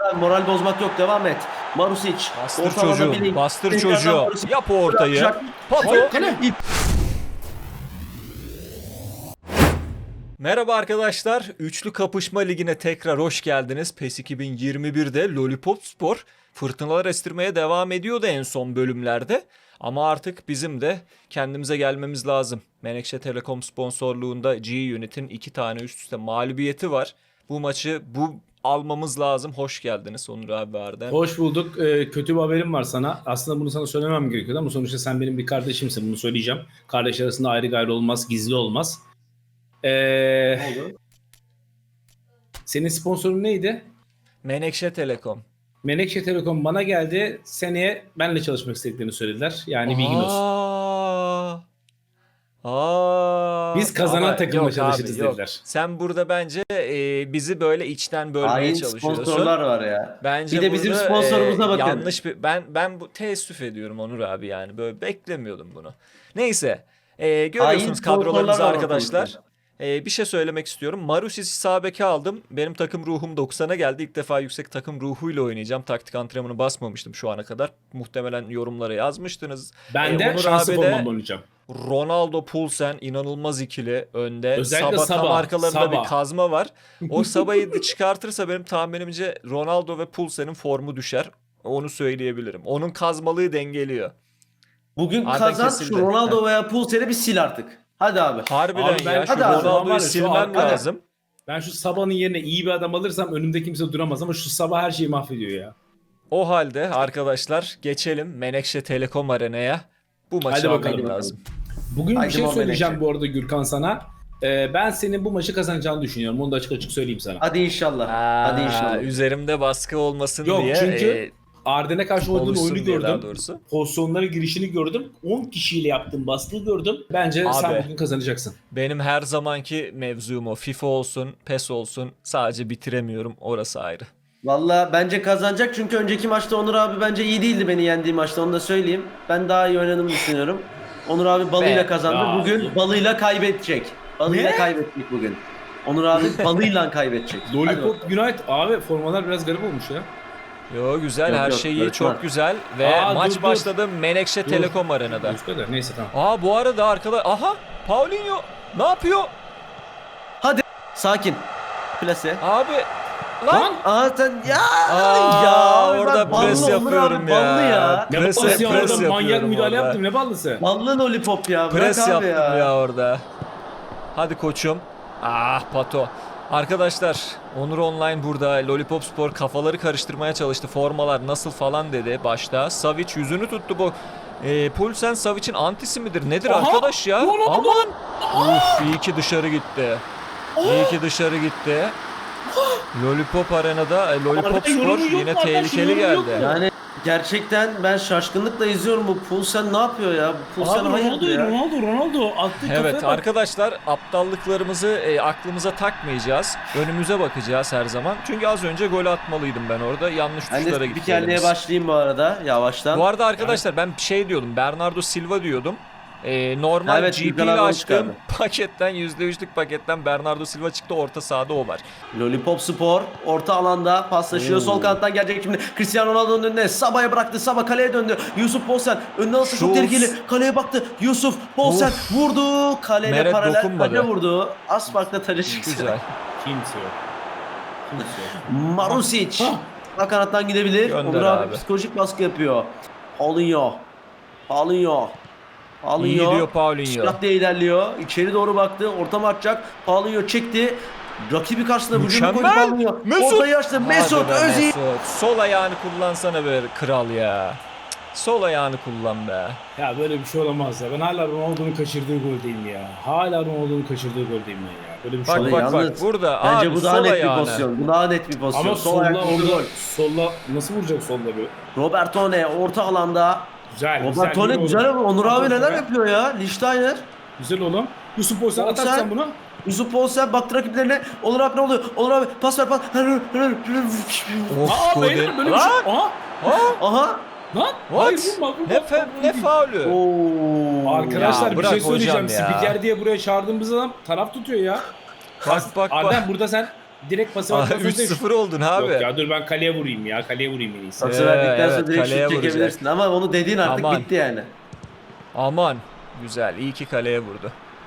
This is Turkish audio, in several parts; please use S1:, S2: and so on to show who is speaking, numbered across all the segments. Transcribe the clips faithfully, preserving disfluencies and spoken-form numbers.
S1: abi, moral bozmak yok, devam et. Marusic.
S2: Bastır
S1: ortalama
S2: çocuğu.
S1: bileyim.
S2: Bastır
S1: Tekrardan
S2: çocuğu.
S1: Marusic.
S2: Yap o ortayı.
S1: Bırakacak.
S2: Pato.
S1: Hayır, kale.
S2: Merhaba arkadaşlar. Üçlü Kapışma Ligi'ne tekrar hoş geldiniz. PES iki bin yirmi birde Lollipop Spor fırtınalar estirmeye devam ediyordu en son bölümlerde. Ama artık bizim de kendimize gelmemiz lazım. Menekşe Telekom sponsorluğunda G-Unit'in iki tane üst üste mağlubiyeti var. Bu maçı bu almamız lazım. Hoş geldiniz Onur abi, Arden.
S3: Hoş bulduk. Ee, kötü bir haberim var sana. Aslında bunu sana söylemem gerekiyordu ama sonuçta sen benim bir kardeşimsin. Bunu söyleyeceğim. Kardeş arasında ayrı gayrı olmaz, gizli olmaz. Ee, senin sponsorun neydi?
S2: Menekşe Telekom.
S3: Menekşe Telekom bana geldi. Seneye benimle çalışmak istediklerini söylediler. Yani bilgin olsun.
S2: Aa. Aa.
S3: Biz kazanan
S2: Ama
S3: takımla
S2: yok
S3: çalışırız
S2: abi, yok.
S3: dediler.
S2: Sen burada bence e, bizi böyle içten bölmeye
S1: Hain
S2: çalışıyorsun.
S1: sponsorlar var ya.
S2: Bence
S1: Bir de bizim
S2: burada,
S1: sponsorumuza
S2: e,
S1: bakın.
S2: yanlış bir ben ben bu teessüf ediyorum Onur abi, yani böyle beklemiyordum bunu. Neyse. E, görüyorsunuz
S1: sponsorlar
S2: kadrolarımızı
S1: var
S2: arkadaşlar.
S1: ortalıkta.
S2: E, bir şey söylemek istiyorum. Marusic sağ beke aldım. Benim takım ruhum doksana geldi. İlk defa yüksek takım ruhuyla oynayacağım. Taktik antrenmanı basmamıştım şu ana kadar. Muhtemelen yorumlara yazmıştınız.
S3: Ben
S2: E,
S3: de
S2: Onur
S3: şanslı
S2: abi de-
S3: formamla oynayacağım.
S2: Ronaldo, Poulsen inanılmaz ikili önde.
S3: Özellikle
S2: Sabah tam
S3: Sabah,
S2: arkalarında
S3: Sabah.
S2: bir kazma var. O Sabah'ı da çıkartırsa benim tahminimce Ronaldo ve Poulsen'in formu düşer. Onu söyleyebilirim. Onun kazmalığı dengeliyor.
S1: Bugün
S2: Arda
S1: kazan
S2: kesildi.
S1: şu Ronaldo veya Pulser'i bir sil artık. Hadi abi.
S2: Harbiden
S3: Abi ben
S2: ya. Şu
S1: hadi abi,
S3: var ya,
S2: Ronaldo'yu
S3: şu
S2: silmem
S3: arkada-
S2: lazım.
S3: Ben şu Sabah'ın yerine iyi bir adam alırsam önümde kimse duramaz ama şu Sabah her şeyi mahvediyor ya.
S2: O halde arkadaşlar geçelim Menekşe Telekom Arena'ya. Bu maçı
S3: Hadi bakalım,
S2: almam
S1: bakalım.
S2: lazım.
S3: Bugün
S1: Haydi
S3: bir şey
S1: Muhammed
S3: söyleyeceğim
S1: Ekşi.
S3: bu arada Gürkan sana. Ee, ben senin bu maçı kazanacağını düşünüyorum. Onu da açık açık söyleyeyim sana.
S1: Hadi inşallah.
S2: Aa,
S1: Hadi inşallah.
S2: Üzerimde baskı olmasın
S3: Yok,
S2: diye.
S3: çünkü
S2: e,
S3: Arden'e karşı oynadığın
S2: oluşsun
S3: oyunu
S2: diye daha
S3: gördüm.
S2: doğrusu.
S3: Pozisyonlara girişini gördüm. on kişiyle yaptığın baskıyı gördüm. Bence
S2: Abi.
S3: sen bugün kazanacaksın.
S2: Benim her zamanki mevzum o. FIFA olsun, PES olsun. Sadece bitiremiyorum. Orası ayrı.
S1: Valla bence kazanacak çünkü önceki maçta Onur abi bence iyi değildi beni yendiği maçta, onu da söyleyeyim. Ben daha iyi oynadığımı düşünüyorum. Onur abi balıyla
S2: Be-
S1: kazandı.
S3: Ya.
S1: Bugün balıyla kaybedecek. Balıyla
S3: Ne?
S1: kaybettik bugün. Onur abi balıyla kaybedecek. Hadi
S3: Lollipop
S1: bakalım.
S3: United abi formalar biraz garip olmuş ya.
S2: Yo güzel,
S1: Yok,
S2: her
S1: yok,
S2: şey iyi,
S1: barış
S2: çok
S1: var.
S2: güzel. Ve
S3: Aa,
S2: maç
S3: dur, dur.
S2: başladı Menekşe
S3: Dur.
S2: Telekom Arena'da.
S3: Dur, dur. Neyse tamam.
S2: Aa bu arada arkadaş... Aha! Paulinho! Ne yapıyor?
S1: Sakin. Plase.
S2: Abi! Lan!
S3: Lan!
S1: Aa sen ya
S2: Aa,
S1: ya abi
S2: orada
S1: bak, ballı
S2: pres
S1: Onur
S2: yapıyorum
S1: abi,
S2: ya.
S1: ballı ya.
S3: Ne
S2: Pres-
S3: ballısı ya
S2: pres
S3: orada manyak
S2: yapıyorum
S3: müdahale
S2: orada.
S3: yaptım ne ballısı?
S1: Ballı lollipop ya. Bırak
S2: Pres
S1: abi
S2: yaptım ya.
S1: ya.
S2: orada. Hadi koçum. Ah Pato. Arkadaşlar Onur Online burada. Lollipop Spor kafaları karıştırmaya çalıştı. Formalar nasıl falan dedi başta. Savic yüzünü tuttu bu. E, Poulsen Savic'in antisi midir? Nedir
S3: Aha!
S2: arkadaş ya?
S3: Ronaldo!
S2: Aman! Uf, iyi ki dışarı gitti. İyi ki dışarı gitti. Lollipop Arena'da e, Lollipop
S3: Arada yorumu
S2: Spor
S3: yok
S2: yine
S3: mu arkadaş?
S2: tehlikeli
S3: Yorumu yok
S2: geldi.
S3: mu?
S1: Yani gerçekten ben şaşkınlıkla izliyorum, bu Pulsen ne yapıyor ya? Bu Pulsen
S3: Abi
S1: hayırdır
S3: Ronaldo,
S1: ya?
S3: Ronaldo, Ronaldo attığı
S2: Evet
S3: kafaya bak.
S2: arkadaşlar, aptallıklarımızı e, aklımıza takmayacağız. Önümüze bakacağız her zaman. Çünkü az önce gol atmalıydım ben orada. Yanlış
S1: Ben
S2: tuşlara
S1: de
S2: gittik.
S1: spikerliğe
S2: elimiz.
S1: başlayayım bu arada yavaştan.
S2: Bu arada arkadaşlar ben şey diyordum. Bernardo Silva diyordum. E, normal
S1: Evet,
S2: G P
S1: Gürkan
S2: ile
S1: abi onu
S2: açtığım
S1: çıkardı.
S2: paketten yüzde üçlük paketten Bernardo Silva çıktı. Orta sahada o var.
S1: Lollipop Spor orta alanda paslaşıyor.
S3: Oo.
S1: Sol kanattan gelecek şimdi. Cristiano Ronaldo'nun önüne. Sabah'a bıraktı. Sabah kaleye döndü. Yusuf Poulsen önüne alsa çok
S2: Schultz.
S1: tehlikeli. Kaleye baktı. Yusuf Poulsen vurdu. Kaleyle
S2: Meret
S1: paralel
S2: dokunmadı.
S1: taca vurdu. Az farkla taca çıktı.
S2: Güzel.
S3: Kimse yok. Kimse yok.
S1: Marusic.
S3: Ah.
S1: Sağ kanattan gidebilir.
S2: Gönder
S1: Onur abi,
S2: abi.
S1: psikolojik baskı yapıyor. Paulinho. Paulinho.
S2: İyi
S1: Paulinho.
S2: diyor Paulinho.
S1: Silah diye ilerliyor. İçeri doğru baktı. Ortam atacak. Paulinho çekti. Rakibi karşısında vücudunu koydu
S2: Mükemmel.
S1: Paulinho.
S2: Mesut.
S1: Ortayı açtı. Mesut
S2: Hadi be
S1: Özil.
S2: Mesut. Sol ayağını kullansana be kral ya. Cık, Sol ayağını kullan be.
S3: Ya böyle bir şey olamaz ya. Ben hala Ronaldo'nun kaçırdığı goldeyim ya. Hala Ronaldo'nun kaçırdığı goldeyim ben ya. Böyle bir şey
S2: Bak
S3: olamaz.
S2: bak
S1: Yalnız
S2: bak burada
S1: Bence
S2: abi
S1: bu daha
S2: sol
S1: net bir
S2: ayağını.
S1: pozisyon. Bu daha net bir pozisyon.
S3: Ama
S1: Sol
S3: solla
S1: ayaklı bir
S3: orada
S1: gol.
S3: solla nasıl vuracak solla böyle?
S1: Robertone orta alanda.
S3: Güzel.
S1: Robertone
S3: iyi
S1: güzel
S3: oğlum.
S1: ama Onur abi neler
S3: Güzel.
S1: yapıyor ya? Lichtsteiner.
S3: Güzel oğlum. Yusuf Boysan
S1: Olsen.
S3: atarsan bunu.
S1: Yusuf Poulsen baktı rakiplerine. Onur abi ne oluyor? Onur abi pas ver pas.
S2: Of
S3: Aa
S2: Godin.
S3: beyler böyle bir şey.
S2: Lan!
S3: Aha.
S2: Aa,
S1: Aha.
S3: Lan.
S2: what?
S3: Hayır vurma vurma.
S2: Ne, fe, ne faulü?
S1: Oo.
S3: Arkadaşlar
S2: Ya
S3: bir
S2: bırak
S3: şey söyleyeceğim.
S2: hocam ya.
S3: Spiker diye buraya çağırdığımız adam taraf tutuyor ya.
S2: Bak bak bak.
S3: Arden burada sen direkt pası
S2: Aa,
S3: atmasın
S2: üç
S3: diye-
S2: sıfır oldun abi.
S3: Yok ya dur ben kaleye vurayım ya. Kaleye vurayım en iyisi.
S1: Pası
S2: Ee,
S1: verdikten sonra
S2: evet,
S1: direkt
S2: kaleye
S1: şut çekebilirsin
S2: vuracak.
S1: ama onu dediğin artık
S2: Aman.
S1: bitti yani.
S2: Aman. Güzel. İyi ki kaleye vurdu.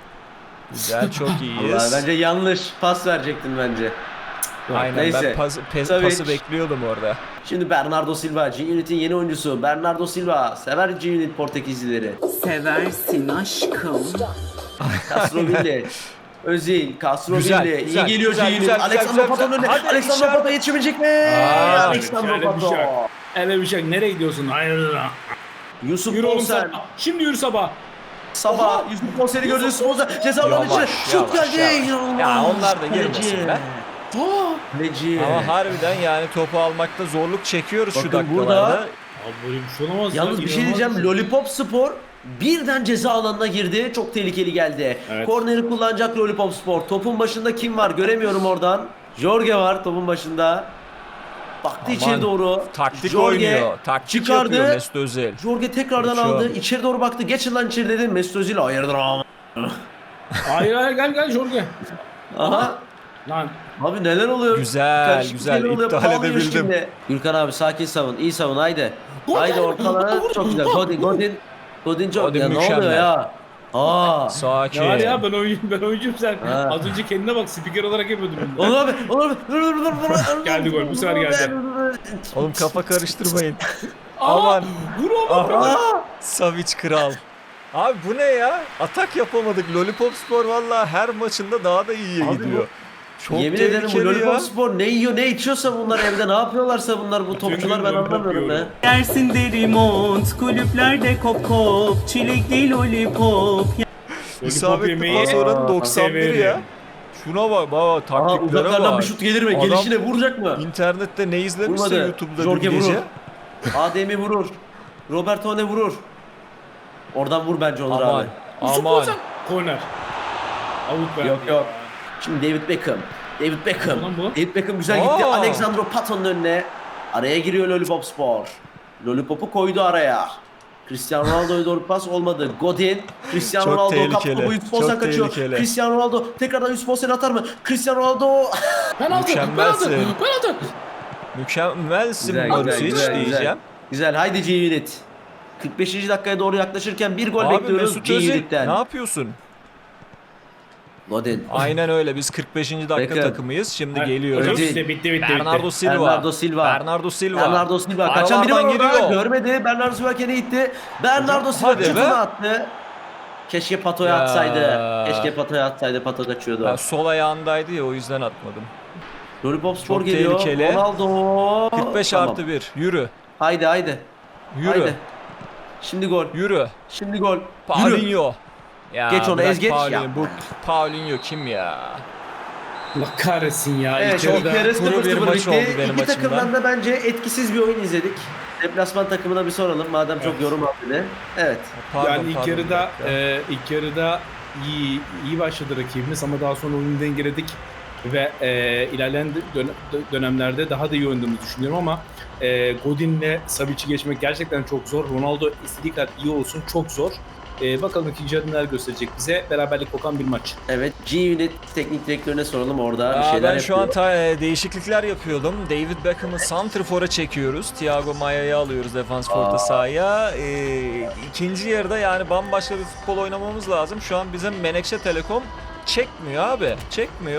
S2: Güzel. Çok iyiyiz.
S1: Vallahi bence yanlış pas verecektin bence.
S2: Aynen
S1: Neyse.
S2: ben pas, pe-
S1: Tabii.
S2: pası bekliyordum orada.
S1: Şimdi Bernardo Silva, G-Unit'in yeni oyuncusu. Bernardo Silva, sever G-Unit Portekizlileri.
S4: Seversin aşkım.
S1: Castrovilli, Özil, Castrovilli.
S2: Güzel,
S1: İyi
S2: güzel,
S1: geliyor
S2: güzel,
S1: G-Unit.
S2: güzel,
S1: Alexandro
S2: güzel,
S1: Pato'nun
S2: güzel.
S1: önüne.
S2: Hadi
S1: Alexandro
S2: dışarı.
S1: Pato yetişebilecek mi?
S2: Aa,
S1: Alexandro
S3: şöyle bir şey
S1: Pato.
S3: yok. Evet bir şey. Nereye gidiyorsun? Hayır.
S1: Yusuf
S3: Yürü oğlum
S1: Olsen.
S3: sabah. Şimdi yürü sabah.
S1: Sabah Yusuf Olsen'i gördünüz. Olsen ceza alanı
S2: Yavaş,
S1: içine. Şut
S2: yavaş,
S1: geldi.
S2: yavaş.
S1: İnanılmaz.
S2: Ya onlar da
S1: Kaleci.
S2: girmesin be.
S1: Kaleci.
S2: Ama harbiden yani topu almakta zorluk çekiyoruz şu
S1: Bakın
S2: dakikalarda.
S1: burada-
S3: Abi böyle bir şey olamaz.
S1: Yalnız
S3: ya,
S1: bir şey
S3: inanılmaz
S1: diyeceğim.
S3: bir
S1: Lollipop Spor birden ceza alanına girdi. Çok tehlikeli geldi.
S3: Evet.
S1: Korneri kullanacak Lollipop Spor. Topun başında kim var? Göremiyorum oradan. Jorge var topun başında. Baktı
S2: Aman,
S1: içeri doğru.
S2: Taktik
S1: Jorge
S2: oynuyor. Taktik
S1: çıkardı.
S2: yapıyor Mesut Özil.
S1: Jorge tekrardan
S2: Uçuyor.
S1: aldı. İçeri doğru baktı. Geçin lan içeri dedi. Mesut Özil hayırdır ama.
S3: Hayır hayır gel gel Jorge.
S1: Aha.
S3: Lan
S1: Abi neler oluyor?
S2: Güzel,
S1: Karışık
S2: güzel.
S1: şeyler oluyor.
S2: İptal
S1: Pahalı yiyor
S2: edebildim.
S1: şimdi. Gürkan abi sakin savun. İyi savun haydi.
S3: Gol
S1: Haydi
S3: geldi.
S1: ortalara.
S3: Vur,
S1: Çok
S3: vur,
S1: güzel.
S3: vur.
S1: Godin, Godin. Godin çok.
S2: Godin
S1: Ya ne
S2: mükemmel.
S1: oluyor ya? Aa.
S2: Sakin.
S3: ne var ya ben oyuncuyum ben oyuncuyum sen.
S1: Ha.
S3: Az önce kendine bak spiker olarak yapıyordun. bunu.
S1: Olur abi, olur abi. Dur, dur, dur, dur.
S3: Geldi gol, bu sefer geldi.
S2: Oğlum kafa karıştırmayın.
S3: Aa,
S2: Aman.
S3: vur oğlum.
S2: Aha. Savic kral. Abi bu ne ya? Atak yapamadık. Lollipop Spor valla her maçında daha da iyiye
S1: Abi
S2: gidiyor. Çok
S1: Yemin ederim bu
S2: tehlikeli
S1: Lollipop
S2: ya.
S1: Spor ne yiyor ne içiyorsa bunlar evde ne yapıyorlarsa bunlar bu topçular ben
S3: Lollipop
S1: anlamıyorum be.
S3: yiyorum.
S4: Dersin deri mont, kulüplerde kop kop, çilekli lollipop.
S2: İsabetli
S3: yemeği
S2: pas oranı doksan bir ya.
S3: severim.
S2: Şuna bak baba
S1: Aa
S2: taktiklere
S1: uzaklardan
S2: bak.
S1: bir şut gelir mi?
S2: Adam-
S1: Gelişine vuracak mı?
S2: İnternette ne izlemişse
S1: Vurmadı.
S2: YouTube'da
S1: Jorge
S2: dün gece.
S1: vurur. Adem'i vurur. Roberto ne vurur? Oradan vur bence Onur
S2: Aman.
S1: abi.
S2: Aman.
S3: Korner. Avut be.
S1: Yok yok. Şimdi David Beckham. David Beckham.
S3: Ulan bu.
S1: David Beckham güzel gitti.
S2: Aa.
S1: Alexandro Pato'nun önüne. Araya giriyor Lollipop Spor. Lollipop'u koydu araya. Cristiano Ronaldo'ya doğru pas olmadı. Godin. Cristiano
S2: Çok
S1: Ronaldo kaptı
S2: tehlikeli,
S1: bu Yusuf Olsen
S2: çok
S1: kaçıyor.
S2: tehlikeli.
S1: Cristiano Ronaldo tekrardan Yusuf Olsen atar mı? Cristiano Ronaldo.
S3: Penaltı.
S2: Mükemmelsin.
S3: Penaltı. Penaltı.
S2: Mükemmelsin
S1: Güzel,
S2: Marusic
S1: güzel, güzel,
S2: diyeceğim.
S1: Güzel haydi G-Unit. kırk beşinci dakikaya doğru yaklaşırken bir gol
S2: Abi
S1: bekliyoruz
S2: Mesut Özil
S1: G-Unit'ten.
S2: ne yapıyorsun?
S1: Godin.
S2: Aynen öyle biz kırk beşinci dakika
S1: Beckham.
S2: takımıyız. Şimdi
S3: Hocam
S2: geliyoruz.
S1: Özil.
S3: bitti bitti bitti.
S2: Bernardo Silva.
S1: Bernardo Silva.
S2: Bernardo Silva.
S1: Bernardo Silva. Kaçan biri var
S2: Aralardan
S1: orada.
S2: giriyor.
S1: Görmedi. Bernardo Silva kendi gitti. Bernardo Silva
S2: hadi be.
S1: çıtını attı. Keşke Pato'ya
S2: Ya.
S1: atsaydı. Keşke Pato'ya atsaydı. Pato kaçıyordu.
S2: Ben sol ayağındaydı ya o yüzden atmadım.
S1: Lollipop Spor
S2: Çok
S1: geliyor.
S2: tehlikeli.
S1: Ronaldo.
S2: kırk beş
S1: Tamam.
S2: artı bir. Yürü.
S1: Haydi haydi.
S2: Yürü.
S1: Haydi. Şimdi gol.
S2: Yürü.
S1: Şimdi gol. Yürü.
S2: Paulinho. Ya
S1: Geç onu,
S2: bırak
S1: ez geç
S2: Paulinho.
S1: ya.
S2: Bu Paulinho kim ya?
S3: Allah kahretsin ya.
S1: Evet,
S3: İlk
S1: çok
S3: yarıda-
S1: yarı
S2: kuru
S1: sıfır
S2: bir
S1: sıfır
S2: maç
S1: bitti.
S2: oldu benim
S1: İki
S2: açımdan.
S1: takımdan da bence etkisiz bir oyun izledik. Deplasman takımına bir soralım madem çok
S3: Evet.
S1: yorum aldı. Evet.
S2: Pardon,
S3: yani ilk
S2: pardon,
S3: yarıda
S2: bir dakika.
S3: e, ilk yarıda iyi iyi başladı rakibimiz ama daha sonra oyunu dengeledik ve e, ilerleyen dön- dönemlerde daha da iyi oynadığımızı düşünüyorum ama e, Godin'le Savic'i geçmek gerçekten çok zor. Ronaldo istediği kadar iyi olsun çok zor. E, bakalım ikinci yarı neler gösterecek bize. Beraberlik kokan bir maç.
S1: Evet. G-Unit teknik direktörüne soralım orada bir
S2: Aa,
S1: şeyler
S2: ben şu an
S1: yapıyor.
S2: ta- e, değişiklikler yapıyordum. David Beckham'ı santrfora çekiyoruz. Thiago Maia'yı alıyoruz defans forta
S1: Aa.
S2: sahaya. Ee, ikinci yarıda yani bambaşka bir futbol oynamamız lazım. Şu an bizim Menekşe Telekom çekmiyor abi. Çekmiyor.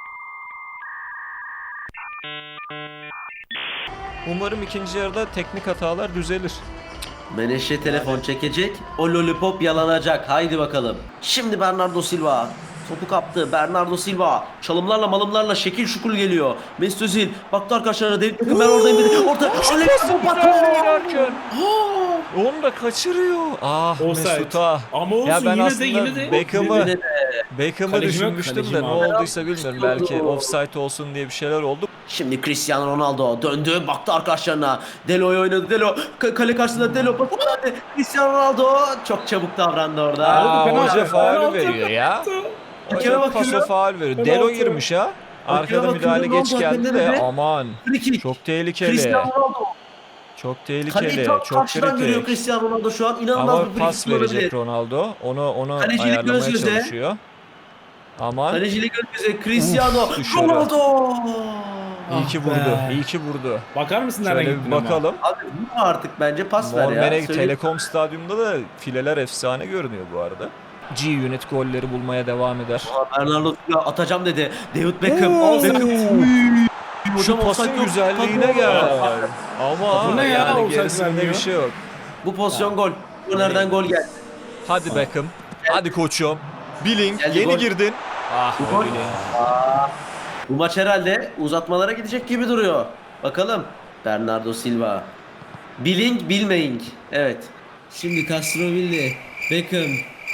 S2: Umarım ikinci yarıda teknik hatalar düzelir.
S1: Meneşe telefon çekecek. O lollipop yalanacak. Haydi bakalım. Şimdi Bernardo Silva. Topu kaptı. Bernardo Silva. Çalımlarla malımlarla şekil şukul geliyor. Mesut Özil. Baktı arkadaşlarına. David Beckham ben oradayım dedi. Orta. Alexandro Pato.
S2: oynarken. Onu da kaçırıyor. Ah
S3: Offside.
S2: Mesut'a.
S3: Ama olsun
S2: Ya ben
S3: yine de
S2: aslında
S3: yine de
S2: Beckham'ı
S1: Yine de-
S2: Beckham'ı
S3: Kaleci yok,
S2: düşünmüştüm
S3: kaleci
S2: de
S3: mi
S2: ne
S3: abi?
S2: olduysa bilmiyorum. Belki offside olsun diye bir şeyler oldu.
S1: Şimdi Cristiano Ronaldo döndü. Baktı arkadaşlarına. Delo'yu oynadı. Delo. Ka- kale karşısında Delo. Pas verdi. Cristiano Ronaldo çok çabuk davrandı orada.
S2: Aa,
S3: penaltı,
S2: hoca faul
S3: penaltı,
S2: veriyor ya.
S1: Hakeme
S2: Hoca paso
S1: bakıyorum.
S2: faul veriyor.
S3: Penaltı.
S2: Delo girmiş ha. Arkada
S1: bakıyorum,
S2: müdahale geç
S1: Ronaldo
S2: geldi
S1: hakemde
S2: de
S1: dedi.
S2: aman.
S1: Free kick.
S2: Çok tehlikeli.
S1: Cristiano Ronaldo.
S2: Çok
S1: Kaleyi
S2: tehlikeli.
S1: tam
S2: Çok
S1: karşıdan görüyor
S2: kritik.
S1: Cristiano Ronaldo şu an. İnanılmaz
S2: Ama
S1: bir free
S2: pas
S1: kick olabilir.
S2: verecek Ronaldo. Onu onu
S1: Kalecilik
S2: ayarlamaya
S1: göz göze.
S2: çalışıyor. Aman.
S1: Kalecilik önümüze Cristiano
S2: Uf, dışarı.
S1: Ronaldo.
S2: İyi ki
S3: Ah
S2: vurdu.
S3: be.
S2: İyi ki vurdu.
S3: Bakar mısın nereden
S2: Şöyle
S3: gittin
S2: bir
S3: ama?
S2: bakalım.
S1: Abi bu artık bence pas ver ya.
S2: Normerek
S1: Söyleyeyim.
S2: Telekom Stadyum'da da fileler efsane görünüyor bu arada. G-Unit golleri bulmaya devam eder.
S1: Aa, Bernardo Silva atacağım dedi. David Beckham.
S2: Oo.
S1: Al Beckham.
S2: Şu
S1: Hocam
S2: pasın
S1: offside yok.
S2: güzelliğine
S1: Tabii.
S2: gel. Ama
S3: Bu ne ya?
S2: yani
S3: Offside
S2: gerisinde
S3: vermiyor.
S2: bir şey yok.
S1: Bu pozisyon gol. Kornerden gol geldi.
S2: Hadi Beckham. Hadi koçum. Billing
S1: Geldi
S2: yeni
S1: gol.
S2: girdin. Ah
S1: Bu
S2: be
S1: gol.
S2: Billing.
S1: Bu maç herhalde uzatmalara gidecek gibi duruyor. Bakalım. Bernardo Silva. Billing bilmeying. Evet. Şimdi Castrovilli. Beckham.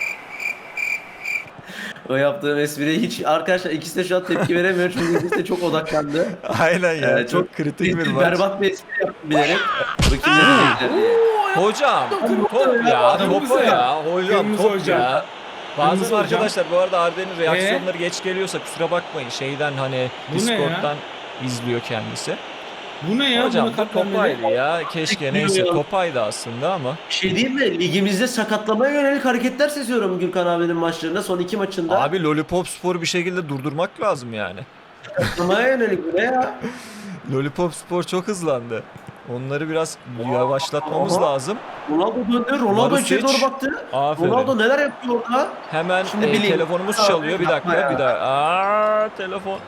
S1: O yaptığım espriye hiç arkadaşlar ikisi de şu an tepki veremiyor çünkü ikisi de çok odaklandı.
S2: Aynen ya.
S1: Ee,
S2: çok, kritik bir
S1: bir
S2: maç.
S1: berbat bir espri yaptım bilerek. Bakayım ne diyecekler diye.
S2: Hocam top ya
S3: Kırmızı
S2: topa
S3: ya.
S2: ya. Hocam
S3: Kırmızı
S2: top
S3: hocam.
S2: ya.
S3: Kırmızı
S2: Bazen
S3: hocam.
S2: arkadaşlar bu arada Arden'in reaksiyonları geç geliyorsa kusura bakmayın. Şeyden hani
S3: Bu ne ya?
S2: Discord'dan izliyor kendisi.
S3: Bu ne ya?
S2: Hocam
S3: Buna
S2: bu
S3: katlanmadı.
S2: topaydı ya. Keşke neyse topaydı aslında ama.
S1: Bir şey diyeyim mi? Ligimizde sakatlamaya yönelik hareketler seziyorum Gürkan abinin maçlarında. Son iki maçında.
S2: Abi Lollipop Spor'u bir şekilde durdurmak lazım yani.
S1: Sakatlamaya yönelik bu ne ya?
S2: Lollipop Spor çok hızlandı. Onları biraz yavaşlatmamız
S1: Aha.
S2: lazım.
S1: Ronaldo döndü. Ronaldo
S2: Marusic.
S1: içeri doğru baktı.
S2: Aferin.
S1: Ronaldo neler yapıyor orada?
S2: Hemen
S1: Şimdi
S2: e,
S1: bileyim.
S2: telefonumuz
S1: Abi,
S2: çalıyor. Bir
S1: yapma
S2: dakika,
S1: ya.
S2: bir dakika. Aa, telefon.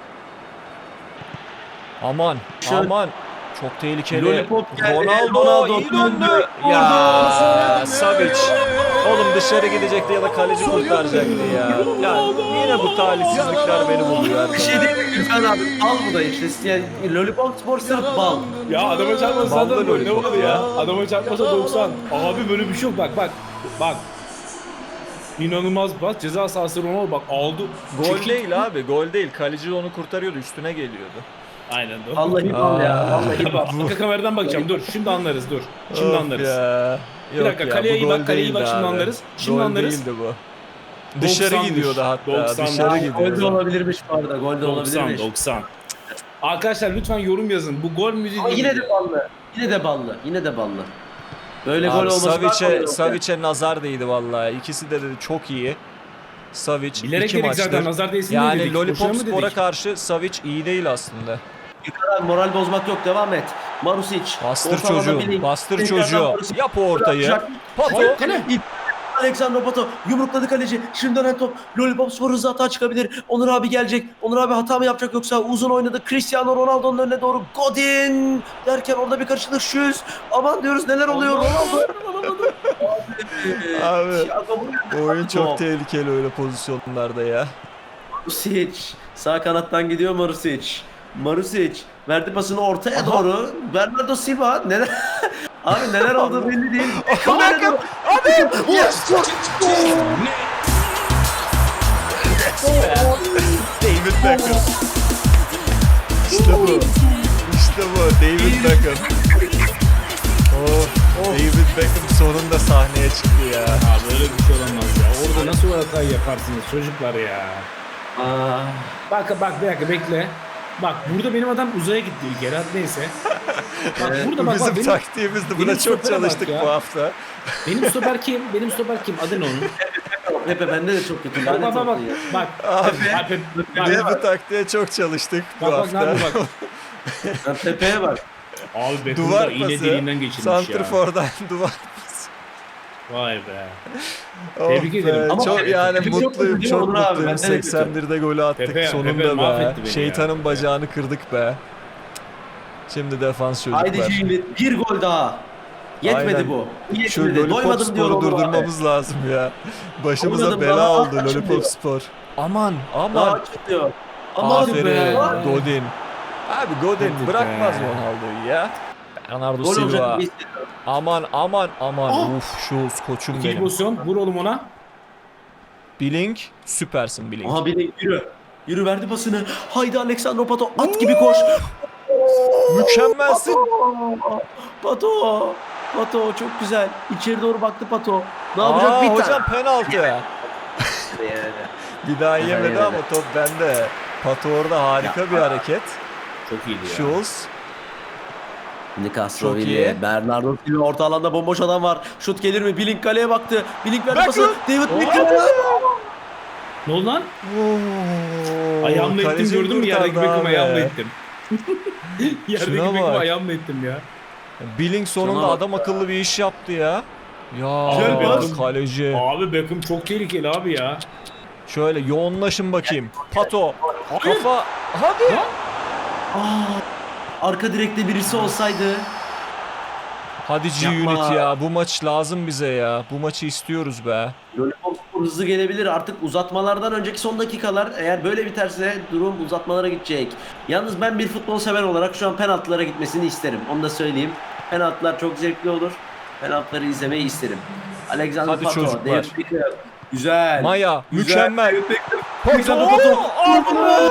S2: Aman,
S1: Şu-
S2: aman. Çok tehlikeli.
S1: Lollipop geldi.
S2: Ronaldo,
S1: Ronaldo
S2: iyi
S1: döndü.
S2: döndü. Ya Savic. Oğlum dışarı gidecekti ya da kaleci kurtaracaktı ya. Ya yine bu talihsizlikler beni buluyor.
S1: Bir şey değil mi Gürkan abi? Al bu da işte. Yani Lollipop Spor sırf bal.
S3: Ya adama çarpmasa
S2: Vallahi
S3: zaten böyle ne
S2: lollipop
S3: olur ya?
S2: ya.
S3: Adama çarpmasa doksan. Abi böyle bir şey yok bak bak. Bak. İnanılmaz pas. Ceza sahası Ronaldo bak aldı.
S2: Gol
S3: Çekil-
S2: değil abi, gol değil. Kaleci onu kurtarıyordu, üstüne geliyordu.
S3: Aynen doğru.
S1: Vallahi bal ya. Vallahi bal.
S3: Bak, arka kameradan bakacağım dur. Şimdi anlarız dur. Şimdi
S2: Of
S3: anlarız.
S2: Ya.
S3: Bir
S2: Yok
S3: dakika,
S2: ya,
S3: kaleye
S2: bu
S3: iyi bak,
S2: gol
S3: kaleye iyi
S2: değildi
S3: bak, şimdi
S2: abi.
S3: anlarız. Şimdi
S2: Gol
S3: anlarız.
S2: değildi bu. Dışarı
S3: doksanmış.
S2: gidiyordu hatta.
S3: doksan.
S2: Dışarı
S3: Aa,
S1: Gol de
S2: gidiyordu.
S1: olabilirmiş bu arada. Gol de
S3: doksan
S1: olabilirmiş.
S3: doksan. Arkadaşlar lütfen yorum yazın. Bu gol müziği
S1: Ama
S3: değil.
S1: yine de ballı. Yine de ballı. Yine de ballı. Böyle gol
S2: Abi
S1: olması
S2: Savic'e Savic'e nazar değdi vallahi. İkisi de dedi çok iyi. Savic
S3: Bilerek
S2: iki
S3: dedik
S2: maçtır.
S3: zaten nazar değsin diye
S2: Yani
S3: dedik. Boşuna
S2: Lollipop
S3: mı
S2: Spor'a
S3: dedik?
S2: karşı Savic iyi değil aslında.
S1: Moral bozmak yok. Devam et. Marusic.
S2: Bastır
S1: Orta alana
S2: çocuğu.
S1: Billing.
S2: Bastır
S1: Tekrardan
S2: çocuğu.
S1: Marusic.
S2: Yap o ortayı.
S1: Bırakacak.
S2: Pato.
S1: Hayır, kale. İp. Alexander Pato yumrukladı kaleci. Şimdi dönen top. Lollipop Spor hızlı hata çıkabilir. Onur abi gelecek. Onur abi hata mı yapacak yoksa uzun oynadı. Cristiano Ronaldo'nun önüne doğru. Godin derken orada bir karışıklık şüz. Aman diyoruz neler oluyor. Ronaldo.
S2: Abi,
S1: Thiago bu-
S2: Oyun çok
S1: Top.
S2: tehlikeli öyle pozisyonlarda ya.
S1: Marusic. Sağ kanattan gidiyor Marusic. Marusic verdi pasını ortaya doğru. Bernardo Silva neler Abi neler olduğu belli değil. Kameraya doğru. Abi! Yes!
S2: David Beckham. İşte bu. İşte bu. David Beckham. Oh, David Beckham sonunda sahneye çıktı ya.
S3: Abi böyle bir şey olamaz ya. Orada nasıl o hatayı yaparsınız çocuklar ya.
S1: Aa,
S3: Bak bak bir dakika bekle. Bak burada benim adam uzaya gitti bir kere. Neyse. Bak
S1: Evet,
S3: burada
S2: Bu
S3: bak
S2: bizim
S3: bak benim,
S2: taktiğimizdi. Buna
S3: benim
S2: çok
S3: stopere bak
S2: çalıştık
S3: ya.
S2: bu hafta.
S3: benim stoper kim? Benim stoper kim? Adı ne onun?
S1: Pepe bende de çok kötü.
S3: Bak
S1: Lanet
S3: bak bak bak.
S1: olsun ya.
S3: Bak.
S2: Abi,
S3: Bak, bak,
S2: Biz
S3: bak,
S2: bu taktiğe çok çalıştık bu
S3: bak, bak, ne
S2: hafta.
S3: yapıyor bak.
S1: Lan Pepe'ye bak.
S3: Abi Beckham
S2: Duvar
S3: da iğne
S2: pası.
S3: deliğinden geçirmiş ya.
S2: Santrfor'dan duvar pası.
S3: Vay be.
S2: Oh
S3: Tebrik
S2: be,
S3: ederim.
S1: Ama
S2: çok
S1: Pepe-
S2: yani
S1: Pepe çok
S2: mutluyum,
S1: kötü
S2: çok
S1: değil mi Onur abi?
S2: mutluyum.
S1: Benden de kötü.
S2: seksen birde golü attık
S3: Pepe-
S2: sonunda
S3: Pepe
S2: be.
S3: mahvetti beni
S2: Şeytanın
S3: ya.
S2: bacağını kırdık be. Şimdi defans çocuklar.
S1: Haydi şimdi bir gol daha. Yetmedi
S2: Aynen.
S1: bu.
S2: Şu
S1: Yetmedi.
S2: Lollipop
S1: Doymadım diyor
S2: Spor'u
S1: Onur abi.
S2: durdurmamız lazım ya. Başımıza
S1: Doymadım
S2: bela
S1: daha,
S2: oldu
S1: kaç
S2: Lollipop
S1: diyor.
S2: Spor. Aman aman.
S1: Daha çıkıyor. Ama hadi
S2: Aferin
S1: be.
S2: Godin. Abi Godin
S3: Hadi
S2: bırakmaz
S3: be.
S2: Ronaldo'yu ya. Bernardo
S1: Gol olacak
S2: Silva.
S1: gibi hissediyorum.
S2: Aman aman aman.
S3: Ah!
S2: Uf Schulz koçum
S3: İkinci
S2: benim.
S3: pozisyon. Vur oğlum ona.
S2: Billing süpersin Billing.
S1: Aha biri yürü. Yürü verdi pasını. Haydi Alexander Pato at gibi koş.
S2: Mükemmelsin.
S1: Pato. Pato. Pato çok güzel. İçeri doğru baktı Pato. Ne yapacak
S2: Aa,
S1: bir
S2: hocam penaltı.
S1: Yani.
S2: Bir daha yemedi
S1: yemedi.
S2: ama top bende. Pato orada harika
S1: Ya.
S2: bir hareket.
S3: Çok iyiydi ya.
S2: Schulz.
S1: Şimdi
S2: Çok
S1: Castrovilli,
S2: iyi.
S1: Bernardo Silva orta alanda bomboş adam var. Şut gelir mi? Billing kaleye baktı. Billing verdi
S2: Beckham.
S1: pası. David Beckham.
S3: Ne oldu lan?
S2: Oo,
S3: Ayağımla ettim
S2: kaleci
S3: gördün mü? Yerdeki
S2: kurtardı
S3: Beckham
S2: abi.
S3: ayağımla ettim. Yerdeki
S2: Şuna
S3: Beckham
S2: bak.
S3: ayağımla ettim ya.
S2: Billing sonunda
S1: Şuna bak
S2: adam akıllı bir iş yaptı ya. Ya
S3: Güzel pas.
S2: kaleci.
S3: Abi Beckham çok tehlikeli abi ya.
S2: Şöyle yoğunlaşın bakayım. Pato. Kafa. Hadi.
S1: Aa, arka direkte birisi olsaydı.
S2: Hadi
S1: Yapma.
S2: G-Unit ya. Bu maç lazım bize ya. Bu maçı istiyoruz be.
S1: Lollipop Spor hızlı gelebilir. Artık uzatmalardan önceki son dakikalar, eğer böyle biterse durum uzatmalara gidecek. Yalnız ben bir futbol sever olarak şu an penaltılara gitmesini isterim. Onu da söyleyeyim. Penaltılar çok zevkli olur. Penaltıları izlemeyi isterim. Alexander
S2: Hadi
S1: Pato,
S2: çocuklar.
S1: David Beckham. Güzel.
S2: Maya
S1: Güzel.
S2: mükemmel.
S1: Alexander
S2: Pato.
S1: Pato.
S2: Aa!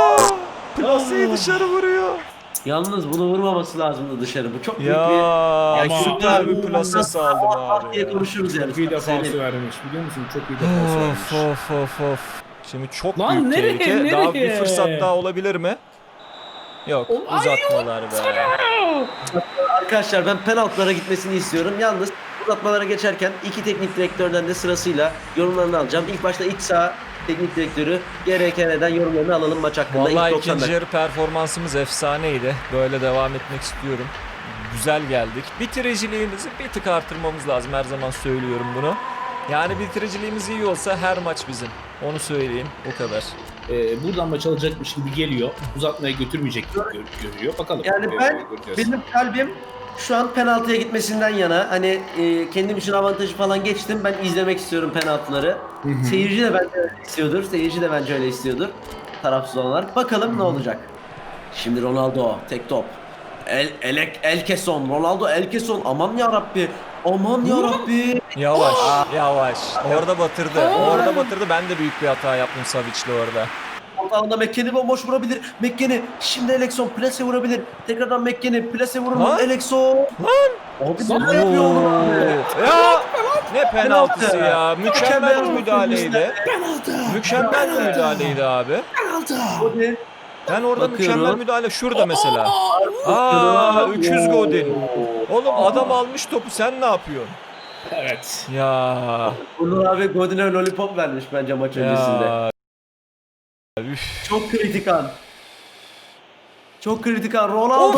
S2: Plaseyi dışarı vuruyor.
S1: Yalnız bunu vurmaması lazımdı dışarı. Bu çok büyük
S2: Ya
S1: bir...
S3: Ama-
S2: süper bir plase saldım abi.
S1: diye
S2: ya.
S1: konuşuruz yani.
S3: Çok iyi defansı
S1: Söyleyeyim.
S3: vermiş biliyor musun? Çok iyi defansı
S2: Of
S3: vermiş.
S2: of of of. Şimdi çok
S3: Lan
S2: büyük
S3: nereye,
S2: tehlike. Daha bir
S3: nereye?
S2: fırsat daha olabilir mi? Yok,
S3: Ay,
S2: uzatmalar be.
S1: Arkadaşlar ben penaltılara gitmesini istiyorum. Yalnız uzatmalara geçerken iki teknik direktörden de sırasıyla yorumlarını alacağım. İlk başta iç saha teknik direktörü G R K N'den yorumlarını alalım maç hakkında.
S2: Vallahi
S1: İlk doksan
S2: ikinci
S1: dakika.
S2: yarı performansımız efsaneydi. Böyle devam etmek istiyorum. Güzel geldik. Bitiriciliğimizi bir tık artırmamız lazım. Her zaman söylüyorum bunu. Yani bitiriciliğimiz iyi olsa her maç bizim. Onu söyleyeyim. O kadar.
S3: Ee, buradan maç alacakmış gibi geliyor. Uzatmaya götürmeyecek gibi gör- görüyor. Bakalım.
S1: Yani
S3: Ee,
S1: ben,
S3: göreceğiz.
S1: benim kalbim şu an penaltıya gitmesinden yana. Hani e, kendim için avantajı falan geçtim. Ben izlemek istiyorum penaltıları. Seyirci de bence öyle istiyordur. Seyirci de bence öyle istiyordur. Tarafsız olanlar. Bakalım ne olacak. Şimdi Ronaldo tek top. El Elek Elkeson. Ronaldo Elkeson. Aman ya Rabbi. Aman ya Rabbi.
S2: Yavaş, yavaş. Orada batırdı. Orada batırdı. Ben de büyük bir hata yaptım Savic'le orada.
S1: Ortalığında McKennie bomboş vurabilir. McKennie şimdi Elekson plase vurabilir. Tekrardan McKennie plase vurur mu?
S2: Lan.
S1: Elekson. Abi
S3: Lan.
S1: ne yapıyor oğlum abi?
S2: Ya ne penaltısı
S1: Penaltı.
S2: ya. Mükemmel bir
S1: Mükemmel
S2: müdahaleydi. Mükemmel bir müdahaleydi abi.
S1: Godin.
S2: Ben orada
S1: Bakıyorum.
S2: mükemmel müdahale şurada mesela. Aa üç yüz Godin. Oğlum adam almış topu, sen ne yapıyorsun?
S3: Evet.
S2: Ya.
S1: Onur abi Godin'e lollipop vermiş bence maç öncesinde.
S2: Ya. Üf.
S1: Çok kritik an. Çok kritik an. Ronaldo.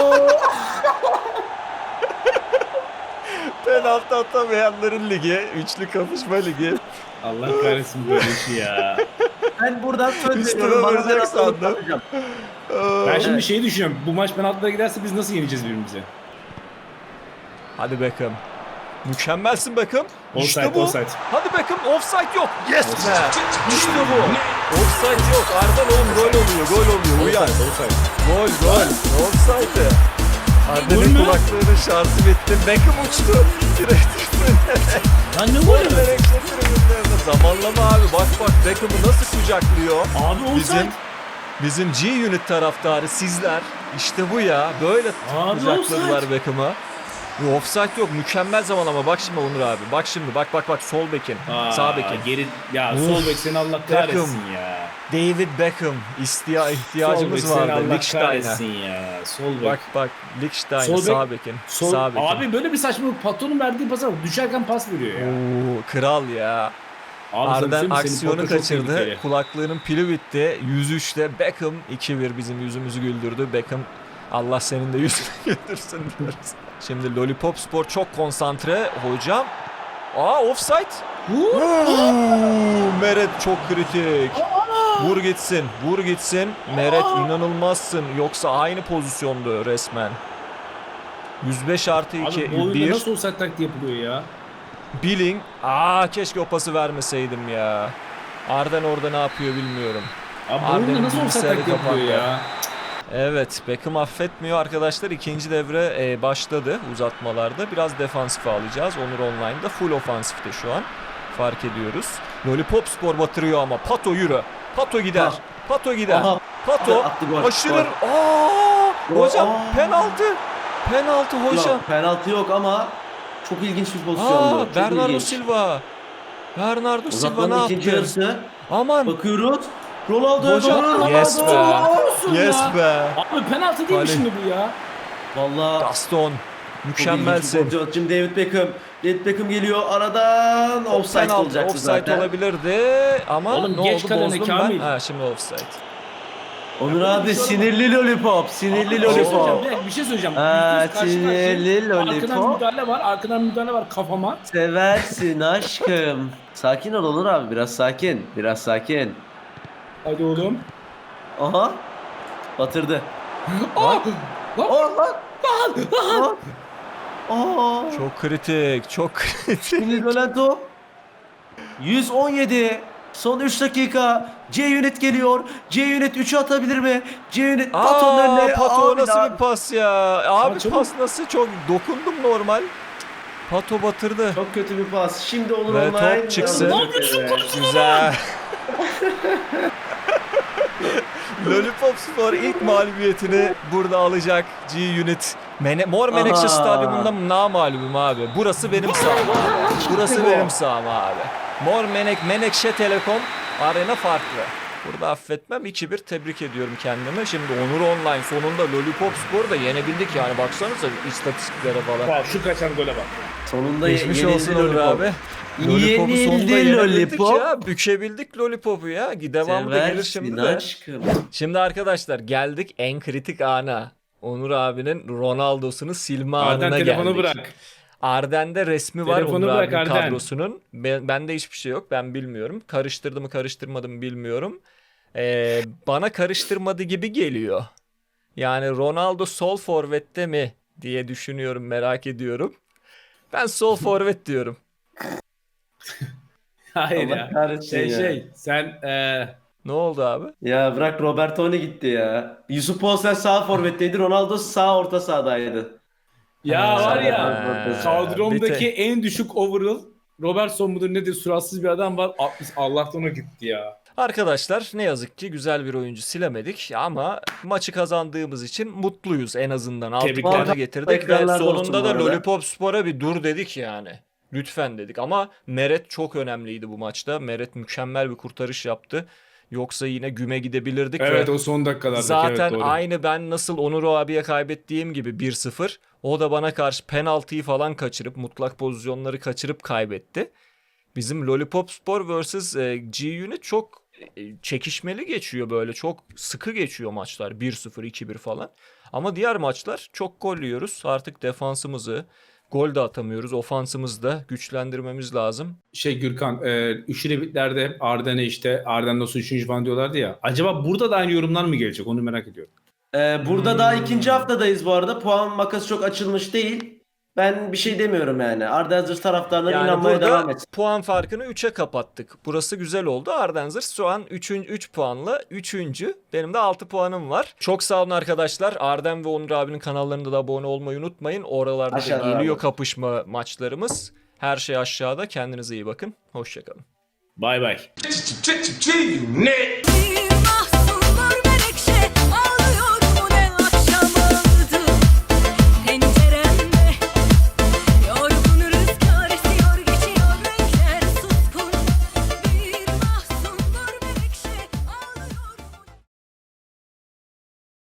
S2: Penaltı atamayanların ligi, üçlü kapışma ligi.
S3: Allah kahretsin böyle işi ya.
S1: Ben buradan söz
S2: Üstüme
S1: veriyorum. Bana
S2: vuracak
S1: ben
S2: sandım.
S1: atacağım.
S3: Ben şimdi
S1: Evet.
S3: şeyi düşünüyorum. Bu maç penaltılara giderse biz nasıl yeneceğiz birbirimizi?
S2: Hadi Beckham. Mükemmelsin Beckham. İşte
S3: Offside,
S2: bu.
S3: offside.
S2: Hadi Beckham, offside yok. Yes
S3: Offside.
S2: be. İşte bu. Offside yok. Arda oğlum gol oluyor, gol oluyor. Uyan.
S3: Offside, offside.
S2: Gol, gol. Offside.
S3: Gol
S2: Arda'nın
S3: mü?
S2: kulaklarının şarjı bitti. Beckham uçtu.
S3: Lan ne
S2: Gol
S3: golü?
S2: verecek tribünlerine. Zamanlama abi. Bak bak Beckham'ı nasıl kucaklıyor.
S3: Abi offside.
S2: Bizim bizim G-Unit taraftarı sizler. İşte bu ya. Böyle
S3: Abi
S2: kucakladılar
S3: offside.
S2: Beckham'ı. Bu offside yok. Mükemmel zaman ama bak şimdi Onur abi. Bak şimdi bak bak bak sol bekin.
S3: Aa,
S2: Sağ bekin.
S3: Geri, ya
S2: Uf.
S3: sol bek seni Allah kahretsin ya.
S2: David Beckham istiya
S3: Sol bek
S2: ihtiyacımız
S3: seni
S2: vardı.
S3: Allah
S2: Lichtstein'e.
S3: kahretsin ya. Sol bek.
S2: Bak bak Lichtstein'e
S3: Sol bek-
S2: sağ bekin.
S3: Sol,
S2: Sağ bekin.
S3: abi böyle bir saçmalık, patronun verdiği pasa bak, düşerken pas veriyor ya.
S2: Oo, kral ya.
S3: Abi sana
S2: Arden
S3: söyleyeyim mi? Senin
S2: aksiyonu
S3: patron çok
S2: kaçırdı.
S3: tehlikeli.
S2: Kulaklığının pili bitti. yüz üçte Beckham iki bir bizim yüzümüzü güldürdü. Beckham Allah senin de yüzünü güldürsün diyoruz. Şimdi Lollipop Spor çok konsantre. Hocam. Aa offside. Oo, Meret çok kritik. Vur gitsin. Vur gitsin. Meret inanılmazsın. Yoksa aynı pozisyondu resmen. yüz beş artı iki.
S3: Abi bu oyunda
S2: bir.
S3: nasıl offside taktiği yapılıyor ya?
S2: Billing. Aa keşke o pası vermeseydim ya. Arden orada ne yapıyor bilmiyorum.
S3: Abi bu
S2: Arden'in
S3: oyunda nasıl offside
S2: bilgisayarı
S3: taktiği yapılıyor
S2: kapandı.
S3: ya?
S2: Evet, Beckham affetmiyor arkadaşlar. İkinci devre e, başladı uzatmalarda. Biraz defansif alacağız. Onur Online'da full ofansifte şu an. Fark ediyoruz. Lollipop Spor batırıyor ama. Pato yürü. Pato gider.
S1: Ha.
S2: Pato gider.
S1: Aha.
S2: Pato
S1: Attı gol.
S2: aşırır.
S1: Gol.
S2: Aa!
S1: Gol.
S2: Hocam
S1: Aa.
S2: penaltı. Penaltı hocam.
S1: Yok, penaltı yok ama çok ilginç bir pozisyondu.
S2: Aa,
S1: Çok
S2: Bernardo
S1: ilginç.
S2: Silva. Bernardo Silva ne
S1: Uzatmanın
S2: yaptı?
S1: ikinci yarısı.
S2: Aman.
S1: Bakıyoruz. Ronaldo'ya
S2: Hocam,
S1: doğru.
S2: yes be.
S1: Ronaldo.
S3: Olsun
S2: Yes
S3: ya.
S2: be.
S3: Abi penaltı değil mi
S2: Kale.
S3: şimdi bu ya?
S1: Vallahi
S2: Gaston. Mükemmelsin.
S1: Şimdi David Beckham. David Beckham geliyor aradan. Offside
S2: Penaltı,
S1: olacaktı
S2: offside
S1: zaten.
S2: olabilirdi ama
S3: Oğlum
S2: ne
S3: geç
S2: oldu
S3: kalene
S2: bozdum
S3: Kamil.
S2: ben. Ha şimdi offside.
S1: Onur abi sinirli lollipop. Sinirli
S3: Bir şey söyleyeceğim,
S1: lollipop.
S3: bir dakika, bir şey söyleyeceğim.
S1: Aa,
S3: Yüzde yüz karşı
S1: sinirli
S3: karşıya. Arkadan
S1: lollipop.
S3: müdahale var, arkadan müdahale var kafama.
S1: Seversin aşkım. Sakin ol Onur abi, biraz sakin. Biraz sakin.
S3: Hadi oğlum.
S1: Aha. Batırdı.
S3: Aa! Lan!
S1: Oh lan. Lan. Aa.
S2: Çok kritik, çok kritik.
S1: Şimdi dönen top. yüz on yedi. Son üç dakika. C-Unit geliyor. C-Unit üçü atabilir mi? C-Unit Pato'nun
S2: Aa,
S1: önüne.
S2: Pato
S1: Abi
S2: nasıl
S1: daha-
S2: bir pas ya? Abi
S3: Aa, çabuk.
S2: pas nasıl çok dokundum normal. Pato batırdı.
S1: Çok kötü bir pas. Şimdi Onur
S2: Ve
S1: online.
S2: top çıksın.
S1: Ne yapıyorsun?
S2: Güzel. Lollipop Spor ilk mağlubiyetini burada alacak. G-Unit. Mene Mor Menekşe
S1: Aha.
S2: Stadyumunda namalubum abi. Burası benim saham. Burası
S1: bu.
S2: benim saham abi. Mor Menek Menekşe Telekom arena farklı. Burada affetmem. iki bir tebrik ediyorum kendimi. Şimdi Onur Online sonunda Lollipop Spor'u da yenebildik yani. Baksanıza istatistiklere falan.
S3: Bak şu kaçan gole bak.
S1: Sonunda
S2: Geçmiş
S1: yenildi
S2: olsun Onur
S1: Lollipop.
S2: abi. Lollipop'u sonunda
S1: Yenildi
S2: yenebildik
S1: Lollipop.
S2: ya. Bükebildik Lollipop'u ya. Devamı da gelir şimdi
S1: Seversin
S2: de.
S1: aşkım.
S2: Şimdi arkadaşlar geldik en kritik ana. Onur abinin Ronaldo'sunu silme
S3: Arden
S2: anına
S3: telefonu
S2: geldik.
S3: bırak.
S2: Arden'de resmi var
S3: Telefonu
S2: Onur
S3: bırak
S2: abinin
S3: Arden.
S2: kadrosunun. Ben, bende hiçbir şey yok, ben bilmiyorum. Karıştırdı mı karıştırmadı mı bilmiyorum. Ee, bana karıştırmadı gibi geliyor. Yani Ronaldo sol forvette mi diye düşünüyorum, merak ediyorum. Ben sol forvet diyorum.
S3: Hayır
S1: Allah
S3: ya.
S1: kahretsin
S3: Şey
S1: ya.
S3: şey sen eee
S2: Ne oldu abi?
S1: Ya bırak, Roberto ne gitti ya. Yusuf Poulsen sağ forvetteydi. Ronaldo sağ orta sahadaydı.
S3: ya
S2: Ha,
S3: var ya
S2: ha,
S3: kadromdaki
S2: bir te-
S3: en düşük overall Robertson mudur nedir suratsız bir adam var. altmış Allah'tan o gitti ya.
S2: Arkadaşlar ne yazık ki güzel bir oyuncu silemedik ama maçı kazandığımız için mutluyuz en azından. Altı
S3: Tebrikler.
S2: puanı getirdik ve
S1: Ekranlarda olsun
S2: sonunda
S1: bu
S2: da
S1: arada.
S2: Lollipop Spor'a bir dur dedik yani. Lütfen dedik ama Meret çok önemliydi bu maçta. Meret mükemmel bir kurtarış yaptı. Yoksa yine güme gidebilirdik
S3: Evet
S2: ve
S3: o son dakikalarda.
S2: zaten
S3: evet, doğru.
S2: aynı ben nasıl Onur abiye kaybettiğim gibi bir sıfır. O da bana karşı penaltıyı falan kaçırıp mutlak pozisyonları kaçırıp kaybetti. Bizim Lollipop Spor versus e, G-Unit çok e, çekişmeli geçiyor böyle. Çok sıkı geçiyor maçlar. bir sıfır, iki bir falan. Ama diğer maçlar çok gol yiyoruz. Artık defansımızı, gol de atamıyoruz. Ofansımızı da güçlendirmemiz lazım.
S3: Şey Gürkan, e, üçlü bitlerde Arden'e işte Arden nasıl üçüncü falan diyorlardı ya. Acaba burada da aynı yorumlar mı gelecek? Onu merak ediyorum.
S1: Ee, burada daha ikinci haftadayız bu arada. Puan makası çok açılmış değil. Ben bir şey demiyorum yani. Ardenzers taraftarına
S2: Yani
S1: inanmaya devam
S2: burada
S1: et.
S2: puan farkını üçe kapattık. Burası güzel oldu. Ardenzers şu an üç puanla üçüncü. Benim de altı puanım var. Çok sağ olun arkadaşlar. Arden ve Onur abinin kanallarında da abone olmayı unutmayın. Oralarda da
S1: Aşağıda
S2: geliyor
S1: abi.
S2: kapışma maçlarımız. Her şey aşağıda. Kendinize iyi bakın. Hoşçakalın.
S3: Bay bay.
S5: Net.